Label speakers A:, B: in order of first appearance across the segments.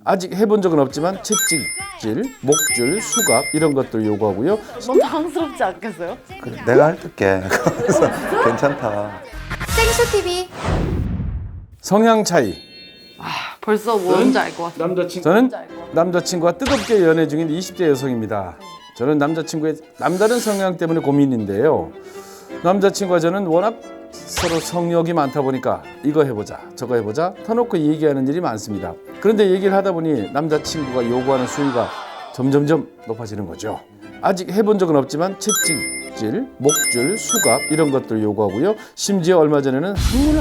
A: 아직 해본 적은 없지만 채찍질, 목줄, 수갑 이런 것들 요구하고요.
B: 너무 당황스럽지 않겠어요?
C: 그래, 내가 할게. 그래서 괜찮다.
D: 생수TV.
A: 성향 차이.
B: 벌써 뭔지 알 것 같아.
A: 저는 남자친구와 뜨겁게 연애 중인 20대 여성입니다. 저는 남자친구의 남다른 성향 때문에 고민인데요. 남자친구와 저는 워낙 서로 성욕이 많다 보니까 이거 해보자 저거 해보자 터놓고 얘기하는 일이 많습니다. 그런데 얘기를 하다 보니 남자친구가 요구하는 수위가 점점점 높아지는 거죠. 아직 해본 적은 없지만 채찍질, 목줄, 수갑 이런 것들 요구하고요. 심지어 얼마 전에는 항문을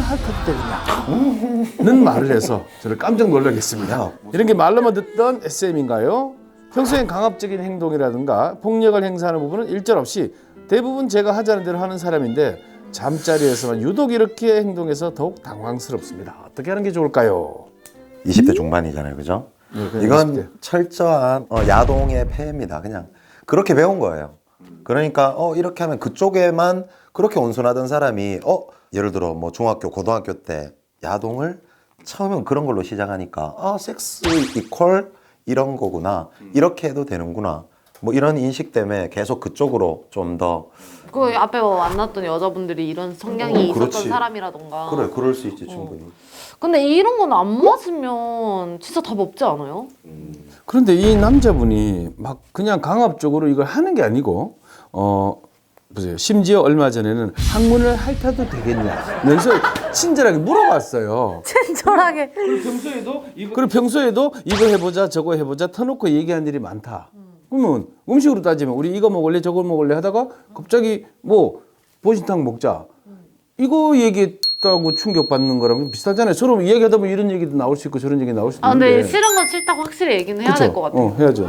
A: 핥아도 되느냐는 말을 해서 저를 깜짝 놀라게 했습니다. 이런 게 말로만 듣던 SM인가요? 평소엔 강압적인 행동이라든가 폭력을 행사하는 부분은 일절 없이 대부분 제가 하자는 대로 하는 사람인데 잠자리에서만 유독 이렇게 행동해서 더욱 당황스럽습니다. 어떻게 하는 게 좋을까요?
C: 20대 중반이잖아요, 그죠?
A: 그냥
C: 이건
A: 20대.
C: 철저한 야동의 폐해입니다. 그냥 그렇게 배운 거예요. 그러니까 이렇게 하면 그쪽에만 그렇게 온순하던 사람이 예를 들어 뭐 중학교, 고등학교 때 야동을 처음엔 그런 걸로 시작하니까 섹스 이퀄 이런 거구나. 이렇게 해도 되는구나. 뭐 이런 인식 때문에 계속 그쪽으로 좀 더
B: 그 앞에 만났던 여자분들이 이런 성향이 있었던
C: 그렇지.
B: 사람이라던가.
C: 그래, 그럴 수 있지 충분히.
B: 근데 이런 건 안 맞으면 진짜 답 없지 않아요?
A: 그런데 이 남자분이 막 그냥 강압적으로 이걸 하는 게 아니고 보세요. 심지어 얼마 전에는 항문을 핥아도 되겠냐면서 친절하게 물어봤어요.
B: 친절하게.
A: 그리고 평소에도 이거 해보자 저거 해보자 터놓고 얘기한 일이 많다. 그러면 음식으로 따지면 우리 이거 먹을래 저거 먹을래 하다가 갑자기 뭐 보신탕 먹자. 이거 얘기했다고 충격받는 거랑 비슷하잖아요. 서로 이야기하다 보면 이런 얘기도 나올 수 있고 저런 얘기 나올 수도 있는데.
B: 근데 싫은 건 싫다고 확실히 얘기는 해야 될 것 같아요.
A: 해야죠.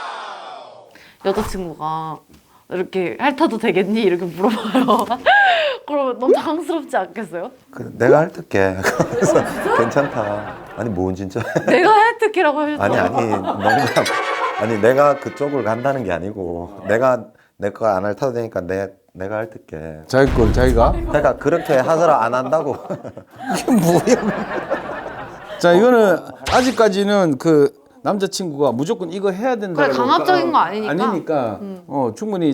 B: 여자친구가 이렇게 핥아도 되겠니? 이렇게 물어봐요. 그러면 너무 당황스럽지 않겠어요?
C: 그래, 내가 할게. 그래서 괜찮다. 아니 뭔 진짜.
B: 내가 핥을게라고 하셨잖아요.
C: 아니 농담. 아니 내가 그쪽을 간다는 게 아니고 내가 내 거 안 핥아도 되니까 내가 핥을게.
A: 자기 걸 자기가.
C: 그러니까 그렇게 하더라 안 한다고.
A: 이게 뭐야? 자 이거는 아직까지는 그 남자친구가 무조건 이거 해야 된다고.
B: 그래, 강압적인 거 아니니까.
A: 아니니까 충분히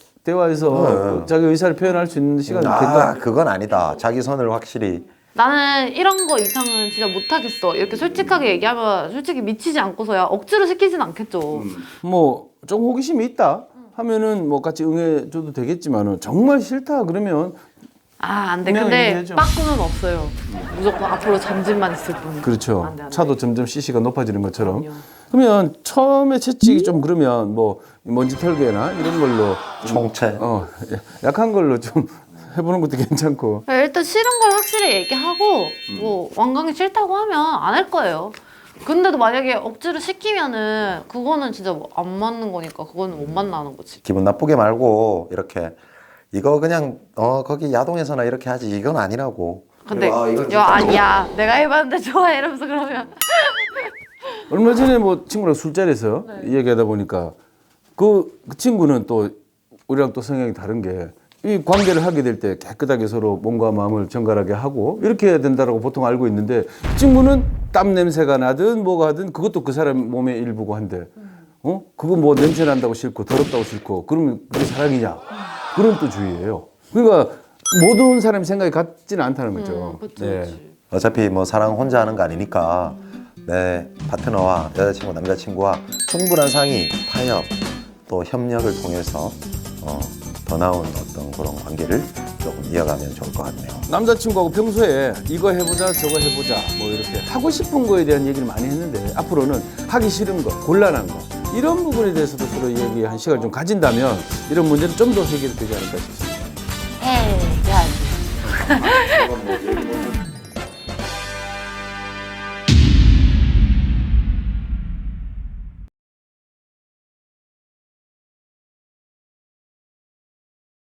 A: 대화해서 자기 의사를 표현할 수 있는 시간이 된다.
C: 그건 아니다. 자기 선을 확실히.
B: 나는 이런 거 이상은 진짜 못하겠어. 이렇게 솔직하게 얘기하면 솔직히 미치지 않고서야 억지로 시키진 않겠죠.
A: 뭐 좀 호기심이 있다 하면은 뭐 같이 응해줘도 되겠지만은 정말 싫다 그러면
B: 안 돼.
A: 그냥
B: 근데
A: 얘기해줘.
B: 빠꾸는 없어요. 무조건 앞으로 전진만 있을 뿐.
A: 그렇죠.
B: 안 돼, 안 돼.
A: 차도 점점 CC가 높아지는 것처럼.
B: 그럼요.
A: 그러면 처음에 채찍이 좀 그러면 뭐 먼지 털개나 이런 걸로
C: 총체.
A: 약한 걸로 좀 해보는 것도 괜찮고.
B: 일단 싫은 걸 확실히 얘기하고 뭐 완강히 싫다고 하면 안 할 거예요. 근데도 만약에 억지로 시키면은 그거는 진짜 뭐 안 맞는 거니까 그거는 못 만나는 거지.
C: 기분 나쁘게 말고 이렇게 이거 그냥 거기 야동에서나 이렇게 하지 이건 아니라고.
B: 근데
C: 이건
B: 야 아니야 내가 해봤는데 좋아해 이러면서 그러면
A: 얼마 전에 뭐 친구랑 술자리에서 얘기하다 보니까 그 친구는 또 우리랑 또 성향이 다른 게 이 관계를 하게 될 때 깨끗하게 서로 몸과 마음을 정갈하게 하고 이렇게 해야 된다라고 보통 알고 있는데 이 친구는 땀 냄새가 나든 뭐가 하든 그것도 그 사람 몸의 일부고 한데 그거 뭐 냄새 난다고 싫고 더럽다고 싫고 그러면 그게 사랑이냐 그런 또 주의예요. 그러니까 모든 사람이 생각이 같지는 않다는 거죠.
B: 그치,
A: 네.
B: 그치.
C: 어차피 뭐 사랑 혼자 하는 거 아니니까 내 파트너와 여자친구, 남자친구와 충분한 상의, 타협, 또 협력을 통해서 더 나은 어떤 그런 관계를 조금 이어가면 좋을 것 같네요.
A: 남자친구하고 평소에 이거 해보자 저거 해보자 뭐 이렇게 하고 싶은 거에 대한 얘기를 많이 했는데 앞으로는 하기 싫은 거 곤란한 거 이런 부분에 대해서도 서로 얘기한 시간을 좀 가진다면 이런 문제는 좀 더 해결되지 않을까 싶습니다.
B: 에이 야